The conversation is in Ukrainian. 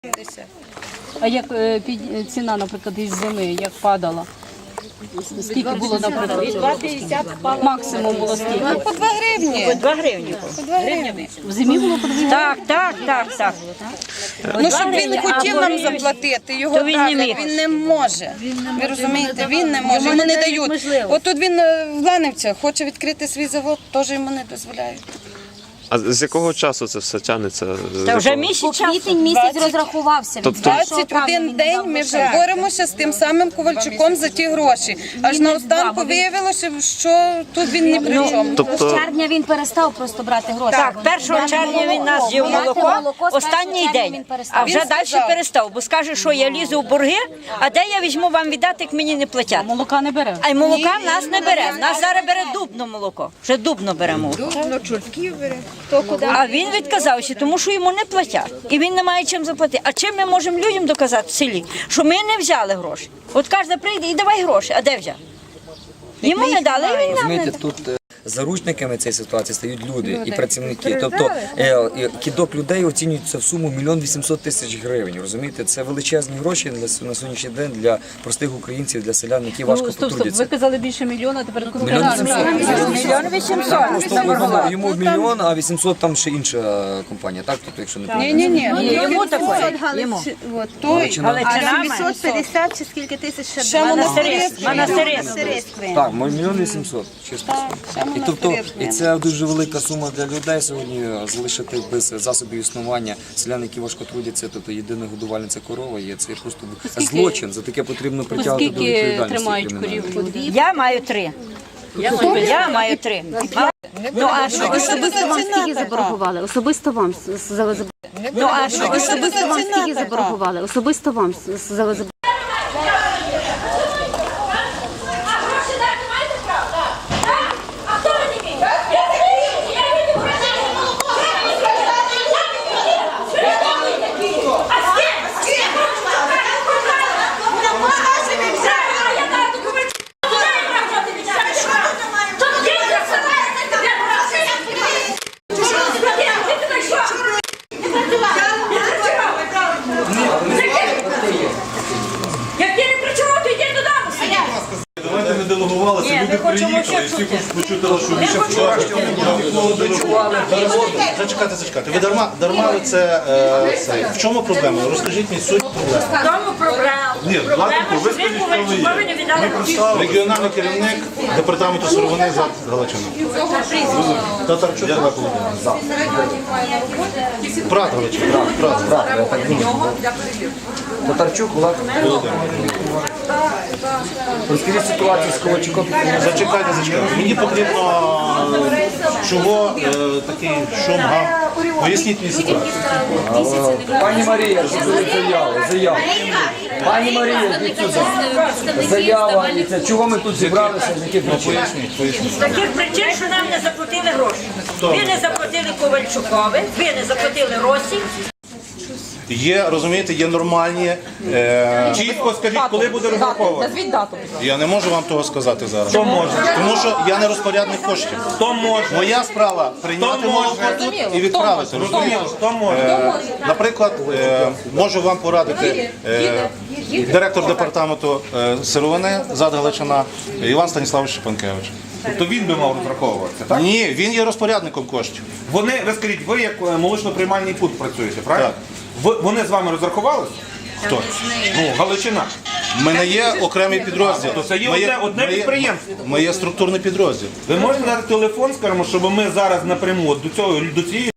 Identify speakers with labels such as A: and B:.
A: А як ціна, наприклад, із зими, як падала? Скільки було, наприклад?
B: 2,50
A: Максимум було скільки?
C: По 2 гривні.
B: По 2 гривні.
A: В зимі було по 2 гривні?
B: Так.
C: Ну, щоб він хотів нам заплатити, його
B: то він не
C: так,
B: міг.
C: він не може. Ви розумієте, він не може, йому не дають. От тут він в Ланівцях хоче відкрити свій завод, теж йому не дозволяють.
D: А з якого часу це все тягнеться?
B: Та вже місяць часу.
E: Квітень місяць розрахувався. Від
C: 21 день ми вже боремося з тим самим Ковальчуком за ті гроші. Аж на останку виявилося, що тут він ні при чому.
E: З червня він перестав просто брати гроші.
B: Так, 1 червня він нас з'їв молоко, останній день, а вже далі перестав, бо скаже, що я лізу в борги, а де я візьму вам віддати, як мені не платять.
A: Молока не бере.
B: А й молока в нас не бере, в нас зараз бере дубно молоко, вже дубно беремо. А він відказався, тому що йому не платять. І він не має чим заплатити. А чим ми можемо людям доказати в селі, що ми не взяли гроші? От кожен прийде і давай гроші, а де взяв? Йому не дали, і він нам не дав.
F: Тут заручниками цієї ситуації стають люди і працівники. Тобто кидок людей оцінюється в суму 1 800 000 гривень. Розумієте, це величезні гроші на сьогоднішній день для простих українців, для селян, які важко
A: Стоп,
F: потрудяться.
A: ви казали більше мільйона, тепер
F: 1 800 000.
B: 1 800
F: Просто йому 1 мільйон, а 800 там ще інша компанія. Так, тобто, якщо не помиляюсь.
C: Ні.
B: Йому такое, йому.
C: Той,
B: Але
G: А
B: це нами.
G: 750 чи скільки тисяч ще
C: ще
B: Монастирист.
F: Так, 1 800 000, чисто. І тобто, і це дуже велика сума для людей сьогодні залишити без засобів існування селян, які важко трудяться, тобто єдина годувальниця корова, і це просто злочин, за таке потрібно притягувати до
A: Скільки
F: відповідальності
A: тримають
F: кримінальної.
A: корів?
B: Я маю 3. Я маю 3. Ну а що?
E: Особисто вам скільки заборгували? Особисто вам
B: Ну а що?
E: Особисто вам скільки заборгували? Особисто вам
B: Як ти не працював, то йди додому.
H: Давайте не делегувалися, люди приїхали, і всі хочуть почути вашу
I: Зачекайте. Ви дарма це. В чому проблема? Розкажіть мені суть проблеми.
B: В тому проблема.
H: Ні, Власенко, ви скажіть, що ви є. Ми представили.
I: Регіональний керівник департаменту сировини ЗАД Галичина. Татарчук Олег Володимирович. Брат Галичина. Брат.
F: Татарчук, Олег Володимирович. Розкажіть ситуацію з Ковальчуком.
I: Зачекайте. Мені потрібно, чого такий шум, гам. Поясніть мені ситуацію.
F: Пані Марія, заяву. Пані Марія, йдіть сюди. Заява, і це чого ми тут зібралися, з яких причин?
B: З таких причин, що нам не заплатили гроші. Ви не заплатили Ковальчукові, ви не заплатили Росі.
I: Є, розумієте, є нормальні.
H: Чітко скажіть, коли буде розраховувати.
A: Назвіть дату.
I: Я не можу вам того сказати зараз.
H: Хто може?
I: Тому що я не розпорядник коштів.
H: Хто може?
I: Моя справа прийняти молоко тут і відправити. Розумієте?
H: Хто може?
I: Наприклад, можу вам порадити директор департаменту сировини ЗАД Галичина Іван Станіславович Шипанкевич.
H: Тобто він би мав розраховуватися, так?
I: Ні, він є розпорядником коштів.
H: Ви скажіть, ви як молочно-приймальний пункт працюєте, правильно? Вони з вами розрахувалися?
I: Хто?
H: Ну, Галичина.
I: У мене є окремий підрозділ.
H: То це є одне підприємство.
I: Моє структурний підрозділ.
H: Ви можете дати телефон, скажімо, щоб ми зараз напряму до цієї